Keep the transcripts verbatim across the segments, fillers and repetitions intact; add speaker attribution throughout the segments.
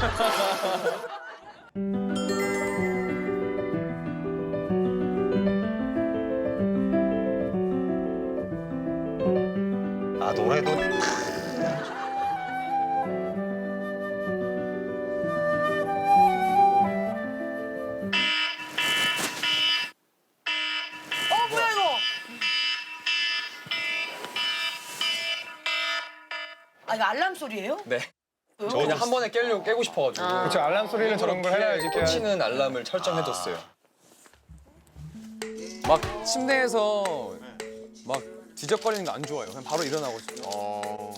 Speaker 1: 아, 노래도.
Speaker 2: 어 뭐야 이거? 아 이거 알람 소리예요?
Speaker 3: 네.
Speaker 2: 왜요?
Speaker 3: 저 그냥 한 번에 깨려고 깨고 싶어가지고.
Speaker 4: 그렇죠. 알람 소리는 저런 걸 해놔야지. 깨야-
Speaker 3: 꽂히는 알람을 설정해뒀어요. 막 침대에서 막 뒤적거리는 거 안 좋아요. 그냥 바로 일어나고 싶어요.
Speaker 1: 어.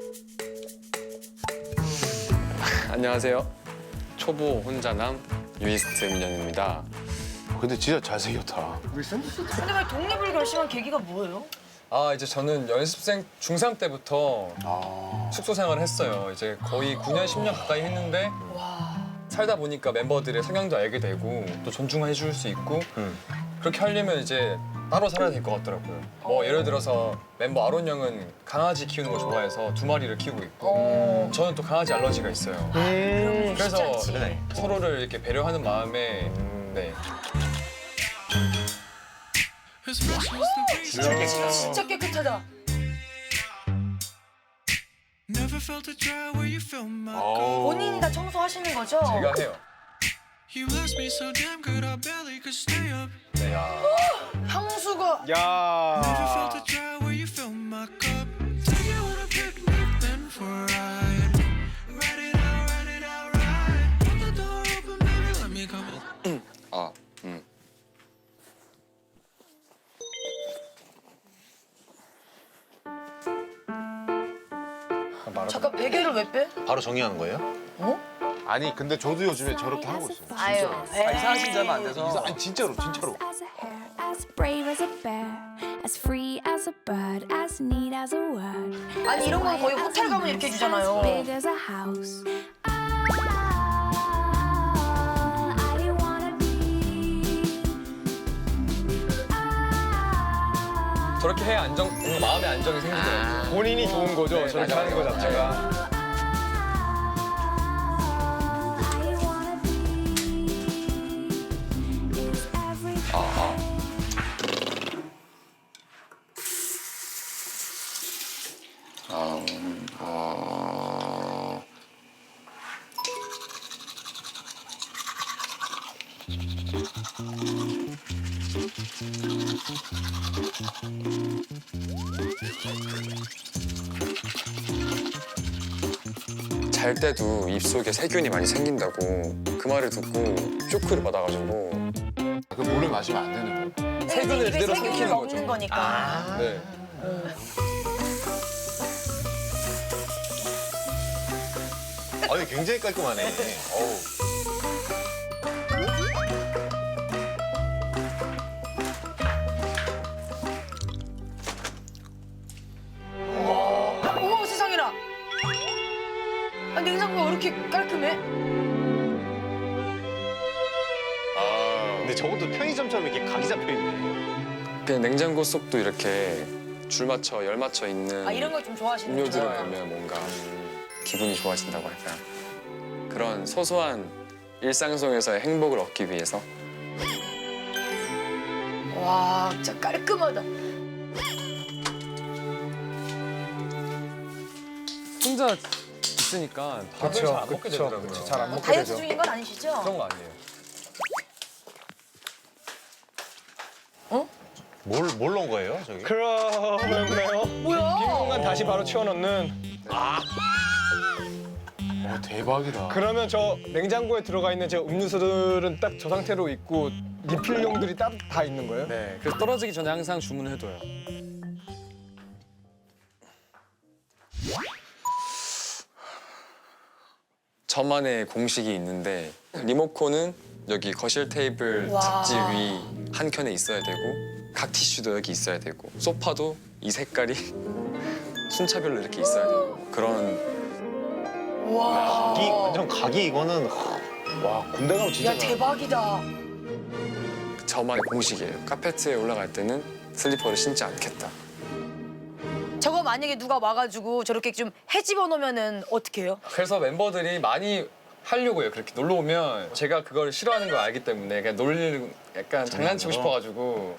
Speaker 5: 안녕하세요. 초보 혼자남 유이스트 민현입니다.
Speaker 1: 근데 진짜 잘생겼다.
Speaker 2: 근데 왜 독립을 결심한 계기가 뭐예요?
Speaker 3: 아 이제 저는 연습생 중삼 때부터
Speaker 1: 아.
Speaker 3: 숙소 생활을 했어요. 이제 거의 구 년, 십 년 가까이 했는데 살다 보니까 멤버들의 성향도 알게 되고 또 존중해 줄 수 있고
Speaker 1: 음.
Speaker 3: 그렇게 하려면 이제 따로 살아야 될 것 같더라고요. 뭐 예를 들어서 멤버 아론 형은 강아지 키우는 거 좋아해서 두 마리를 키우고 있고
Speaker 2: 어.
Speaker 3: 저는 또 강아지 알러지가 있어요.
Speaker 2: 그럼
Speaker 3: 그래서
Speaker 2: 쉽지 않지.
Speaker 3: 서로를 이렇게 배려하는 마음에 네.
Speaker 2: 진짜 깨끗하다.
Speaker 6: Never felt a dry where you felt my
Speaker 1: 어우.
Speaker 2: 본인이 다 청소하시는 거죠?
Speaker 3: 제가 해요.
Speaker 6: You blessed me so damn good I barely could stay up.
Speaker 3: 네. 야.
Speaker 2: 향수가
Speaker 6: Never felt
Speaker 4: 야.
Speaker 6: a dry where you filled my cup. Take you on a picnic then for a ride. Ride it out, ride it out, ride. Put the door open, baby, let me come.
Speaker 5: 아, 음.
Speaker 2: 잠깐 베개를 왜 빼?
Speaker 1: 바로 정리하는 거예요?
Speaker 2: 어?
Speaker 1: 아니, 근데 저도 요즘에 저렇게 하고 있어요.
Speaker 2: 아유.
Speaker 3: 이상하신 지 얼마 안 돼서.
Speaker 1: 이사- 아니, 진짜로, 진짜로.
Speaker 7: As a hare, as brave as a bear, as free as a bird, as neat as a word.
Speaker 2: 아니 이런 건 거의 호텔 가면 이렇게 해주잖아요.
Speaker 7: As big as a house. Ah, I didn't wanna be. Ah,
Speaker 3: 저렇게 해야 안정, 뭔가 마음의 안정이 생기더라고요.
Speaker 4: 본인이 좋은 거죠.
Speaker 3: 네,
Speaker 4: 저렇게
Speaker 3: 맞아요.
Speaker 4: 하는 거 자체가.
Speaker 7: I didn't wanna be. Is everything.
Speaker 5: 아, 음, 아. 잘 때도 입속에 세균이 많이 생긴다고 그 말을 듣고 쇼크를 받아가지고
Speaker 1: 그 물을 마시면 안 되는 거.
Speaker 3: 세균을
Speaker 2: 입에
Speaker 3: 그대로
Speaker 2: 세균을
Speaker 3: 삼키는
Speaker 2: 먹는
Speaker 3: 거죠.
Speaker 2: 거니까.
Speaker 3: 네.
Speaker 1: 아니, 굉장히 깔끔하네. 어우.
Speaker 2: 어머 세상에나. 아, 냉장고가 왜 이렇게 깔끔해?
Speaker 1: 아. 근데 저것도 편의점처럼 이렇게 각이 잡혀 있네.
Speaker 5: 그냥 냉장고 속도 이렇게 줄 맞춰 열 맞춰 있는
Speaker 2: 아 이런 걸 좀 좋아하시는
Speaker 5: 음료들을
Speaker 2: 거예요?
Speaker 5: 보면 뭔가 기분이 좋아진다고 할까 그런 소소한 일상 속에서의 행복을 얻기 위해서
Speaker 2: 와 진짜 깔끔하다.
Speaker 3: 혼자 있으니까 밥을 잘 안 먹게 되더라고요.
Speaker 4: 잘안
Speaker 2: 뭐
Speaker 4: 먹게
Speaker 2: 다이어트
Speaker 4: 되죠.
Speaker 2: 중인 건 아니시죠?
Speaker 3: 그런 거 아니에요.
Speaker 1: 뭘, 뭘 넣은 거예요, 저기?
Speaker 4: 그러면요.
Speaker 2: 뭐야?
Speaker 4: 빈 공간 다시 바로 채워넣는.
Speaker 1: 와, 대박이다.
Speaker 4: 그러면 저 냉장고에 들어가 있는 제 음료수들은 딱 저 상태로 있고 리필용들이 따로 다 있는 거예요?
Speaker 3: 네. 그래서 떨어지기 전에 항상 주문을 해둬요.
Speaker 5: 저만의 공식이 있는데 리모컨은 여기 거실 테이블
Speaker 2: 와.
Speaker 5: 잡지 위 한 켠에 있어야 되고 각 티슈도 여기 있어야 되고 소파도 이 색깔이 순차별로 이렇게 있어야 되고 그런
Speaker 2: 와.
Speaker 1: 각이, 완전 각이 이거는. 와, 군대 가면 진짜.
Speaker 2: 야 대박이다.
Speaker 5: 저만의 공식이에요. 카페트에 올라갈 때는 슬리퍼를 신지 않겠다.
Speaker 2: 저거 만약에 누가 와가지고 저렇게 좀 헤집어 놓으면은 어떻게 해요?
Speaker 3: 그래서 멤버들이 많이 하려고 해요. 그렇게 놀러 오면 제가 그걸 싫어하는 걸 알기 때문에 그냥 놀리는 약간 장난치고 싶어가지고.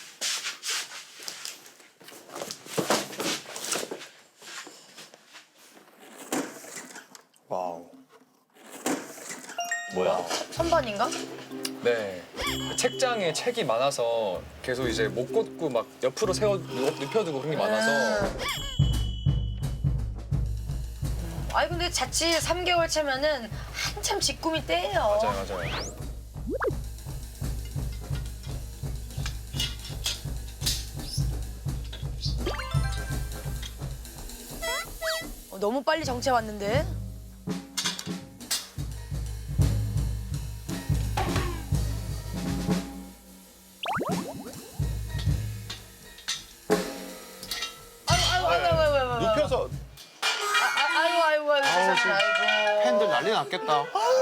Speaker 1: 와우. 뭐야?
Speaker 2: 선반인가?
Speaker 3: 네. 책장에 책이 많아서 계속 이제 못 꽂고 막 옆으로 세워 눕- 눕혀두고 그런 게 많아서.
Speaker 2: 아니 근데 자칫 삼 개월 차면은 한참 직구미 때예요.
Speaker 3: 맞아요, 맞아요.
Speaker 2: 어, 너무 빨리 정체 왔는데. 아이고 아이고 아이고 아이고 아이고
Speaker 1: 눕혀서
Speaker 2: 아, 아이고 아이고 아이고 세상에, 아이고.
Speaker 1: 팬들 난리 났겠다.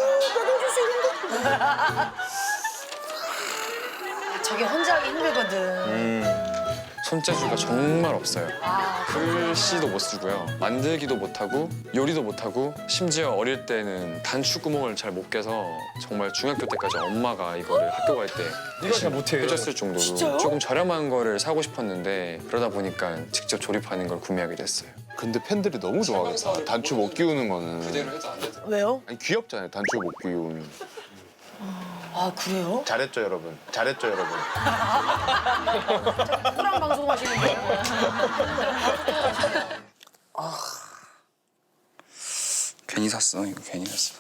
Speaker 2: 저게 혼자 하기 힘들거든.
Speaker 5: 손재주가 정말 없어요.
Speaker 2: 아,
Speaker 5: 글씨도 못 쓰고요. 만들기도 못하고 요리도 못하고 심지어 어릴 때는 단추 구멍을 잘 못 깨서 정말 중학교 때까지 엄마가 이거를 학교 갈 때
Speaker 3: 이걸 잘 못해요.
Speaker 5: 해줬을 정도로
Speaker 2: 진짜요?
Speaker 5: 조금 저렴한 거를 사고 싶었는데 그러다 보니까 직접 조립하는 걸 구매하게 됐어요.
Speaker 8: 근데 팬들이 너무 좋아하겠다. 단추 못 끼우는 거는.
Speaker 5: 해도 안 되더라고요.
Speaker 2: 왜요?
Speaker 8: 아니, 귀엽잖아요. 단추 못 끼우면.
Speaker 2: 아 그래요?
Speaker 1: 잘했죠 여러분. 잘했죠 여러분.
Speaker 2: 누구랑 방송하시는 거예요?
Speaker 5: 괜히 샀어. 이거 괜히 샀어.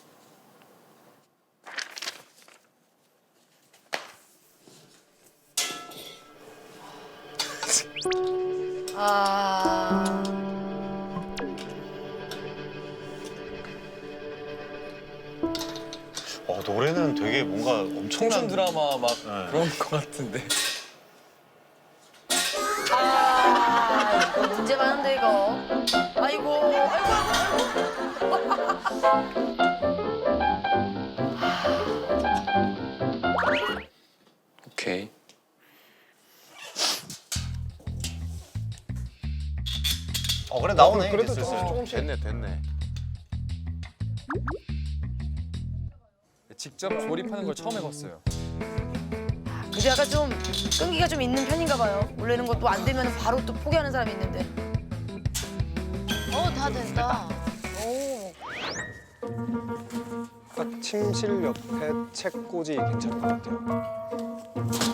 Speaker 2: 아.
Speaker 1: 어 노래는 되게 뭔가
Speaker 3: 청춘
Speaker 1: 엄청난
Speaker 3: 드라마 막
Speaker 1: 네.
Speaker 3: 그런 것 같은데.
Speaker 2: 아, 이거 문제 많은데 이거. 아이고, 아이고,
Speaker 5: 오케이.
Speaker 1: 어 그래 나오네.
Speaker 4: 그래도
Speaker 1: 이제 슬슬.
Speaker 4: 조금- 조금씩.
Speaker 8: 됐네, 됐네.
Speaker 3: 직접 조립하는 걸 처음 해봤어요.
Speaker 2: 그게 약간 좀 끈기가 좀 있는 편인가 봐요. 원래는 것도 안 되면 바로 또 포기하는 사람이 있는데. 어, 다 됐다. 오.
Speaker 4: 딱 침실 옆에 책꽂이 괜찮은 것 같아요.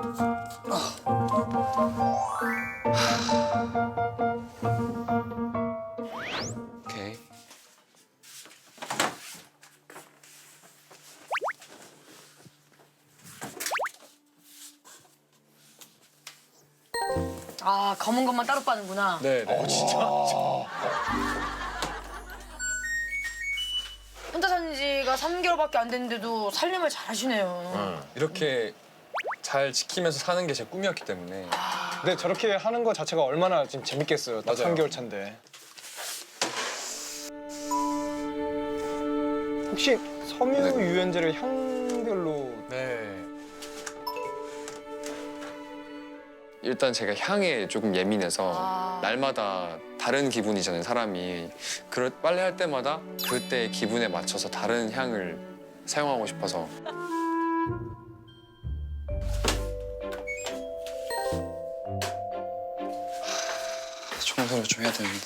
Speaker 5: 오케이.
Speaker 2: 아, 검은 것만 따로 빠는구나.
Speaker 3: 네, 네.
Speaker 2: 혼자 산 지가 삼 개월밖에 안 됐는데도 살림을 잘 하시네요.
Speaker 3: 이렇게 잘 지키면서 사는 게 제 꿈이었기 때문에.
Speaker 4: 근데 저렇게 하는 거 자체가 얼마나 지금 재밌겠어요. 딱
Speaker 3: 맞아요.
Speaker 4: 삼 개월 차인데. 혹시 섬유
Speaker 5: 네.
Speaker 4: 유연제를 향별로
Speaker 3: 네.
Speaker 5: 일단 제가 향에 조금 예민해서
Speaker 2: 아.
Speaker 5: 날마다 다른 기분이잖아요, 사람이. 그럴 빨래할 때마다 그때 기분에 맞춰서 다른 향을 사용하고 싶어서. 하, 청소를 좀 해야 되는데.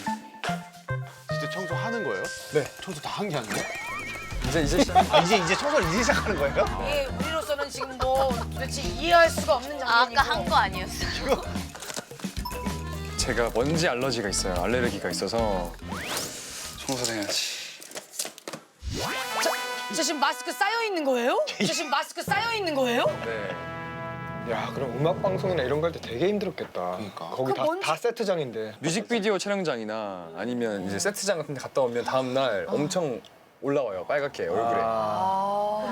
Speaker 8: 진짜 청소하는 거예요?
Speaker 3: 네.
Speaker 8: 청소 다 한 게 아니에요?
Speaker 3: 이제 이제 시작.
Speaker 1: 아 이제 이제 청소를 이제 시작하는 거예요?
Speaker 2: 이게 우리로서는 지금 뭐 도대체 이해할 수가 없는 장면이고.
Speaker 9: 아까 한 거 아니었어요?
Speaker 3: 제가 먼지 알러지가 있어요. 알레르기가 있어서.
Speaker 5: 청소를 해야지.
Speaker 2: 저 지금 마스크 쌓여 있는 거예요? 저 지금 마스크 쌓여 있는 거예요?
Speaker 3: 네.
Speaker 4: 야 그럼 음악 방송이나 이런 거 할 때 되게 힘들었겠다.
Speaker 8: 그러니까.
Speaker 4: 거기
Speaker 2: 그
Speaker 4: 다,
Speaker 2: 뭔지-
Speaker 4: 다 세트장인데.
Speaker 3: 뮤직비디오 촬영장이나 아니면 이제 세트장 같은 데 갔다 오면 다음 날 엄청 올라와요. 빨갛게 얼굴에.
Speaker 2: 아.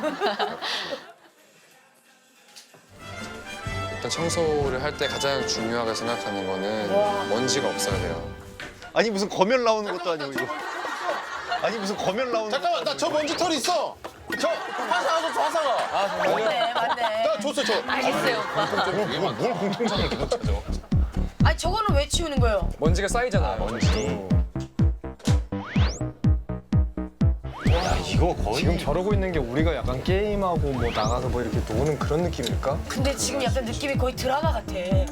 Speaker 5: 일단 청소를 할 때 가장 중요하게 생각하는 거는 먼지가 없어야 돼요.
Speaker 1: 아니 무슨 검열 나오는 것도 아니고 이거. 아니 무슨 검열 나오는
Speaker 8: 잠깐만, 나 저 먼지 털 있어. 저 화사가 줬어, 화사가.
Speaker 2: 맞네, 맞네.
Speaker 8: 나 줬어, 저.
Speaker 9: 알겠어요, 오빠.
Speaker 8: 뭘, 뭘 공통점을 계속 찾아.
Speaker 2: 아니 저거는 왜 치우는 거예요?
Speaker 3: 먼지가 쌓이잖아요.
Speaker 1: 먼지. 이거 거의
Speaker 4: 지금 저러고 있는 게 우리가 약간 게임하고 뭐 나가서 뭐 이렇게 노는 그런 느낌일까?
Speaker 2: 근데 지금 약간 느낌이 거의 드라마 같아.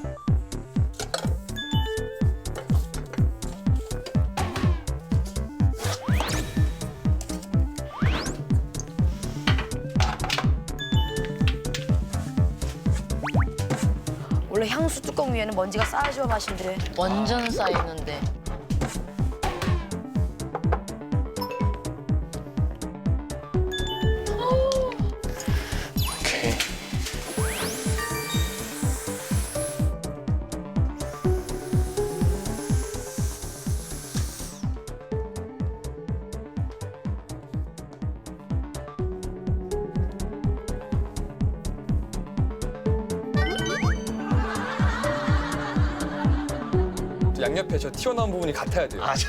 Speaker 2: 원래 향수 뚜껑 위에는 먼지가 쌓여줘야 맛인데.
Speaker 9: 완전 쌓이는데.
Speaker 5: 오케이.
Speaker 3: 양옆에 저 튀어나온 부분이 같아야 돼요.
Speaker 1: 아, 저...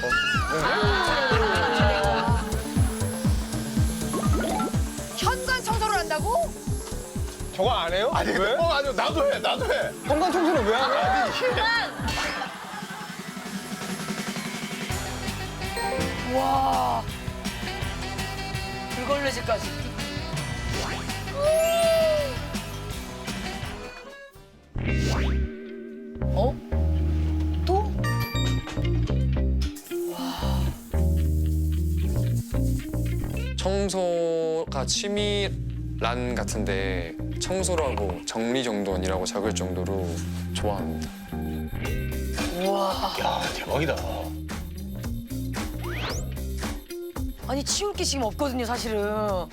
Speaker 2: 현관 청소를 한다고?
Speaker 4: 저거 안 해요?
Speaker 8: 아니
Speaker 4: 왜?
Speaker 8: 근데 어 아니 나도 해 나도 해.
Speaker 4: 현관 청소는 왜 안 해?
Speaker 8: 아니
Speaker 2: 와. 불걸레질까지. 어? 또?
Speaker 5: 청소가 취미란 같은데 청소라고 정리정돈이라고 적을 정도로 좋아합니다.
Speaker 2: 우와.
Speaker 1: 야, 대박이다.
Speaker 2: 아니 치울 게 지금 없거든요, 사실은.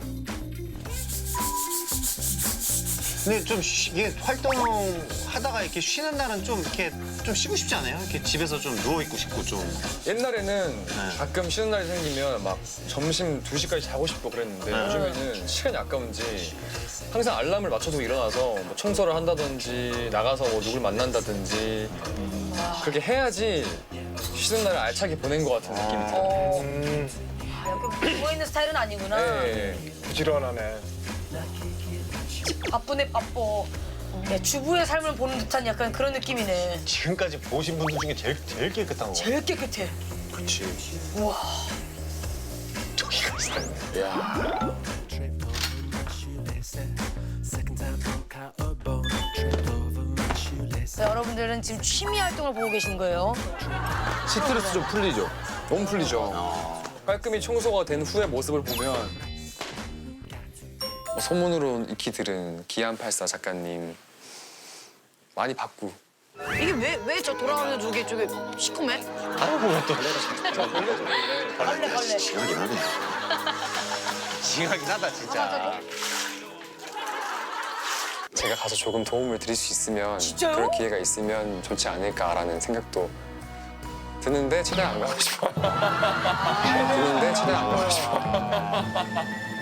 Speaker 1: 근데 좀 쉬- 이게 활동하다가 이렇게 쉬는 날은 좀 이렇게 좀 쉬고 싶지 않아요? 이렇게 집에서 좀 누워 있고 싶고 좀.
Speaker 3: 옛날에는 가끔 쉬는 날이 생기면 막 점심 두 시까지 자고 싶고 그랬는데 요즘에는 시간이 아까운지 항상 알람을 맞춰두고 일어나서 뭐 청소를 한다든지 나가서 뭐 누굴 만난다든지 그렇게 해야지 쉬는 날을 알차게 보낸 것 같은 느낌이 들어요.
Speaker 2: 어.
Speaker 4: 음,
Speaker 2: 아, 약간 누워있는 스타일은 아니구나.
Speaker 3: 네.
Speaker 4: 부지런하네.
Speaker 2: 바쁘네, 바빠. 네, 주부의 삶을 보는 듯한 약간 그런 느낌이네.
Speaker 1: 지금까지 보신 분들 중에 제일 제일 깨끗한 거.
Speaker 2: 제일 깨끗해.
Speaker 1: 그렇지.
Speaker 2: 우와.
Speaker 1: 저기가 있어요.
Speaker 2: 자, 여러분들은 지금 취미 활동을 보고 계신 거예요.
Speaker 8: 스트레스 좀 풀리죠.
Speaker 3: 너무 풀리죠. 깔끔히 청소가 된 후의 모습을 보면
Speaker 5: 소문으로 익히 들은 기안팔사 작가님 많이 봤고
Speaker 2: 이게 왜, 왜 저 돌아가는 저게 저게 시커매?
Speaker 1: 아이고 또.
Speaker 2: 벌레, 벌레.
Speaker 1: 징하긴 하네. 징하긴 하다 진짜.
Speaker 5: 제가 가서 조금 도움을 드릴 수 있으면
Speaker 2: 진짜요?
Speaker 5: 그럴 기회가 있으면 좋지 않을까라는 생각도 드는데 최대한 안 가고 싶어. 드는데 최대한 안 가고 싶어.